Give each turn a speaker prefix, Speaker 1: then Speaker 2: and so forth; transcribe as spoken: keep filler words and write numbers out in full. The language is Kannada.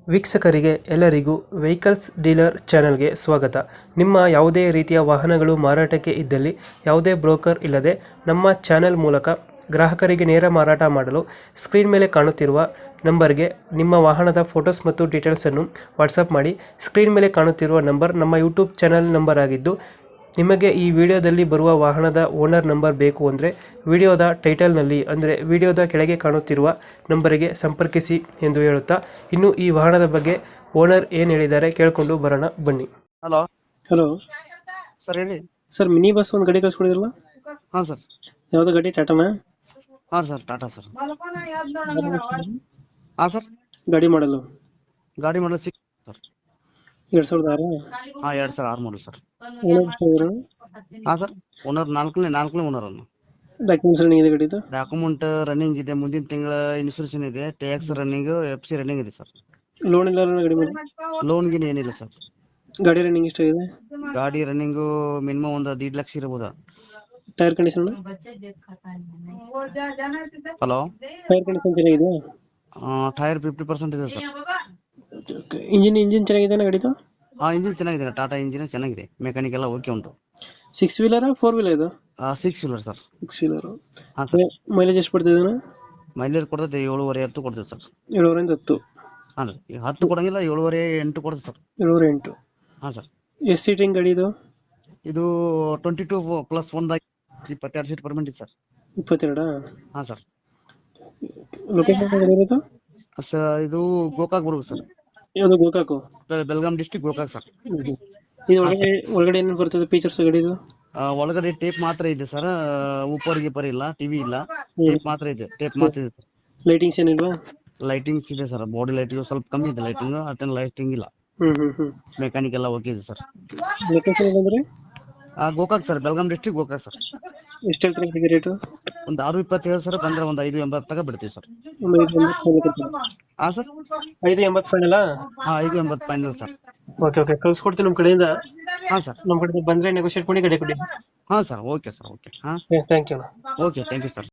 Speaker 1: ವೀಕ್ಷಕರಿಗೆ ಎಲ್ಲರಿಗೂ ವೆಹಿಕಲ್ಸ್ ಡೀಲರ್ ಚಾನೆಲ್ಗೆ ಸ್ವಾಗತ. ನಿಮ್ಮ ಯಾವುದೇ ರೀತಿಯ ವಾಹನಗಳು ಮಾರಾಟಕ್ಕೆ ಇದ್ದಲ್ಲಿ ಯಾವುದೇ ಬ್ರೋಕರ್ ಇಲ್ಲದೆ ನಮ್ಮ ಚಾನೆಲ್ ಮೂಲಕ ಗ್ರಾಹಕರಿಗೆ ನೇರ ಮಾರಾಟ ಮಾಡಲು ಸ್ಕ್ರೀನ್ ಮೇಲೆ ಕಾಣುತ್ತಿರುವ ನಂಬರ್ಗೆ ನಿಮ್ಮ ವಾಹನದ ಫೋಟೋಸ್ ಮತ್ತು ಡೀಟೇಲ್ಸನ್ನು ವಾಟ್ಸಪ್ ಮಾಡಿ. ಸ್ಕ್ರೀನ್ ಮೇಲೆ ಕಾಣುತ್ತಿರುವ ನಂಬರ್ ನಮ್ಮ ಯೂಟ್ಯೂಬ್ ಚಾನೆಲ್ ನಂಬರ್ ಆಗಿದ್ದು, ನಿಮಗೆ ಈ ವಿಡಿಯೋದಲ್ಲಿ ಬರುವ ವಾಹನದ ಓನರ್ ನಂಬರ್ ಬೇಕು ಅಂದರೆ ವಿಡಿಯೋದ ಟೈಟಲ್ನಲ್ಲಿ ಅಂದರೆ ವಿಡಿಯೋದ ಕೆಳಗೆ ಕಾಣುತ್ತಿರುವ ನಂಬರಿಗೆ ಸಂಪರ್ಕಿಸಿ ಎಂದು ಹೇಳುತ್ತಾ, ಇನ್ನು ಈ ವಾಹನದ ಬಗ್ಗೆ ಓನರ್ ಏನು ಹೇಳಿದ್ದಾರೆ ಕೇಳಿಕೊಂಡು ಬರೋಣ ಬನ್ನಿ.
Speaker 2: ಹಲೋ
Speaker 1: ಹಲೋ
Speaker 2: ಸರ್, ಹೇಳಿ
Speaker 1: ಸರ್, ಮಿನಿ ಬಸ್ ಒಂದು ಗಾಡಿ ಕಳಿಸ್ಕೊಡಿದ್ರಲ್ಲ,
Speaker 2: ಹಾಂ ಸರ್.
Speaker 1: ಯಾವುದು ಗಾಡಿ? ಟಾಟಾನಾ?
Speaker 2: ಹಾಂ ಸರ್, ಟಾಟಾ ಸರ್. ಹಾಂ ಸರ್,
Speaker 1: ಗಾಡಿ ಮಾಡಲು
Speaker 2: ಗಾಡಿ ಮಾಡಲ್ ಸಿಕ್ಸ್ ಸರ್.
Speaker 1: ಎರಡು ಸಾವಿರದ ಆರು
Speaker 2: ಹಾಂ, ಎರಡು ಸಾವಿರ ಆರು ಮಾಡಲ್ ಸರ್.
Speaker 1: ಓನರ್
Speaker 2: ಹಾಂ ಸರ್, ಓನರ್ ನಾಲ್ಕನೇ ನಾಲ್ಕನೇ ಓನರ್ ಅನ್ನು.
Speaker 1: ಡಾಕ್ಯುಮೆಂಟ್ಸ್ ರನ್ನಿಂಗ್ ಇದೆ ಗಾಡಿದು?
Speaker 2: ಡಾಕ್ಯುಮೆಂಟ್ ರನ್ನಿಂಗ್ ಇದೆ, ಮುಂದಿನ ತಿಂಗಳ ಇನ್ಶೂರೆನ್ಸ್ ಇದೆ, tax running, F C running ಇದೆ ಸರ್.
Speaker 1: ಲೋನ್ ಇಲ್ಲ ಗಾಡಿ ಮೇಲೆ?
Speaker 2: ಲೋನ್ ಗಿನ್ ಏನಿಲ್ಲ ಸರ್.
Speaker 1: ಗಾಡಿ ರನ್ನಿಂಗ್ ಎಷ್ಟಾಗಿದೆ?
Speaker 2: ಗಾಡಿ ರನ್ನಿಂಗು ಮಿನಿಮಮ್ ಒಂದು ದೀಡ್ ಲಕ್ಷ ಇರ್ಬೋದಾ.
Speaker 1: Tyre condition?
Speaker 2: Hello,
Speaker 1: tyre condition ಚೆನ್ನಾಗಿದೆ?
Speaker 2: ಟೈರ್ ಫಿಫ್ಟಿ ಪರ್ಸೆಂಟ್ ಇದೆ ಸರ್.
Speaker 1: ಇಂಜಿನ್ ಇಂಜಿನ್ ಚೆನ್ನಾಗಿದೆ ಗಾಡಿದು?
Speaker 2: ಹಾಂ, ಇಂಜಿನ್ ಚೆನ್ನಾಗಿದೆ, ಟಾಟಾ ಇಂಜಿನ್ ಚೆನ್ನಾಗಿದೆ, ಮೆಕ್ಯಾನಿಕ್ ಎಲ್ಲ ಓಕೆ ಉಂಟು.
Speaker 1: ಸಿಕ್ಸ್ ವೀಲರ್ ಫೋರ್ ವೀಲರ್ ಇದು?
Speaker 2: Six wheeler sir.
Speaker 1: Six wheeler.
Speaker 2: ಹಾಂ ಸರ್.
Speaker 1: ಮೈಲೇಜ್ ಎಷ್ಟು ಬರ್ತದೆ?
Speaker 2: ಮೈಲೇಜ್ ಕೊಡ್ತದೆ ಏಳುವರೆ ಹತ್ತು ಕೊಡ್ತದೆ ಸರ್.
Speaker 1: ಏಳುವರೆಯಿಂದ ಹತ್ತು?
Speaker 2: ಹಾಂ ರೀ, ಈಗ ಹತ್ತು ಕೊಡಂಗಿಲ್ಲ, ಏಳುವರೆ ಎಂಟು ಕೊಡ್ತದೆ ಸರ್.
Speaker 1: ಏಳುವರೆ ಎಂಟು.
Speaker 2: ಹಾಂ ಸರ್.
Speaker 1: ಎಷ್ಟು ಸೀಟಿಂಗ್ ಗಾಡಿ ಇದು?
Speaker 2: ಇದು ಟ್ವೆಂಟಿ ಟೂ ಪ್ಲಸ್ ಒಂದಾಗಿ ಇಪ್ಪತ್ತೆರಡು ಸೀಟ್ ಪರ್ಮೆಂಟ್ ಇದೆ ಸರ್.
Speaker 1: ಇಪ್ಪತ್ತೆರಡಾ?
Speaker 2: ಹಾಂ ಸರ್.
Speaker 1: ಲೊಕೇಶನ್ ಇರೋದು?
Speaker 2: ಸರ್, ಇದು ಗೋಕಾಕ್ ಬರ್ಬೇಕು ಸರ್.
Speaker 1: ಯಾವುದು ಗೋಕಾಕು?
Speaker 2: Belgaum district Gokak sir.
Speaker 1: ಇದು ಒಳಗಡೆ ಒಳಗಡೆ ಏನೇನು ಬರ್ತದೆ ಫೀಚರ್ಸ್ ಗಾಡಿದು?
Speaker 2: ಆ, ಒಳಗಡೆ ಟೇಪ್ ಮಾತ್ರ ಇದೆ ಸರ್, ಉಪ್ಪರ್ ಗಿಪ್ಪರ್ ಇಲ್ಲ, ಟಿವಿ ಇಲ್ಲ, ಟೇಪ್ ಮಾತ್ರ ಇದೆ. ಟೇಪ್ ಮಾತ್ರ ಇದೆ.
Speaker 1: ಲೈಟಿಂಗ್ಸ್ ಏನಿಲ್ವಾ?
Speaker 2: ಲೈಟಿಂಗ್ಸ್ ಇದೆ ಸರ್, ಬಾಡಿ ಲೈಟಿಂಗ್ ಸ್ವಲ್ಪ ಕಮ್ಮಿ ಇದೆ, ಲೈಟಿಂಗ್ ಅಟೆಂಡ್ ಲೈಟಿಂಗ್ ಇಲ್ಲ.
Speaker 1: ಹ್ಮ್ ಹ್ಮ್ ಹ್ಮ್.
Speaker 2: ಮೆಕ್ಯಾನಿಕ್ ಎಲ್ಲ ಓಕೆ ಇದೆ ಸರ್.
Speaker 1: ಲೊಕೇಶನ್ ಏನಂದ್ರೆ?
Speaker 2: ಆ, Gokak sir, Belgaum district Gokak sir.
Speaker 1: ಎಷ್ಟು ಹೇಳ್ತಾರೆ ರೇಟು?
Speaker 2: ಒಂದು ಆರು ಇಪ್ಪತ್ತೇಳು ಸರ್, ಬಂದ್ರೆ ಒಂದು ಐದು ಎಂಬತ್ತು ತಗ ಬಿಡ್ತೀವಿ ಸರ್.
Speaker 1: ಒಂದು ಐದು ಎಂಬತ್ತು ಫೈನಲ್ ಕೊಡ್ತೀರಾ?
Speaker 2: ಹಾಂ ಸರ್.
Speaker 1: ಐದು ಎಂಬತ್ತು ಫೈನಲಾ?
Speaker 2: ಹಾಂ, ಐದು ಎಂಬತ್ತು ಫೈನಲ್ ಸರ್.
Speaker 1: ಓಕೆ ಓಕೆ, ಕಳ್ಸ್ಕೊಡ್ತೀನಿ ನಮ್ಮ ಕಡೆಯಿಂದ.
Speaker 2: ಹಾಂ ಸರ್.
Speaker 1: ನಮ್ಮ ಕಡೆಯಿಂದ ಬಂದರೆ ನೆಗೋಷಿಯೇಟ್ ಮಾಡಿ ಗಾಡಿ ಕೊಡಿ.
Speaker 2: ಹಾಂ ಸರ್, ಓಕೆ ಸರ್, ಓಕೆ. ಹಾಂ,
Speaker 1: thank you.
Speaker 2: Okay, thank you sir.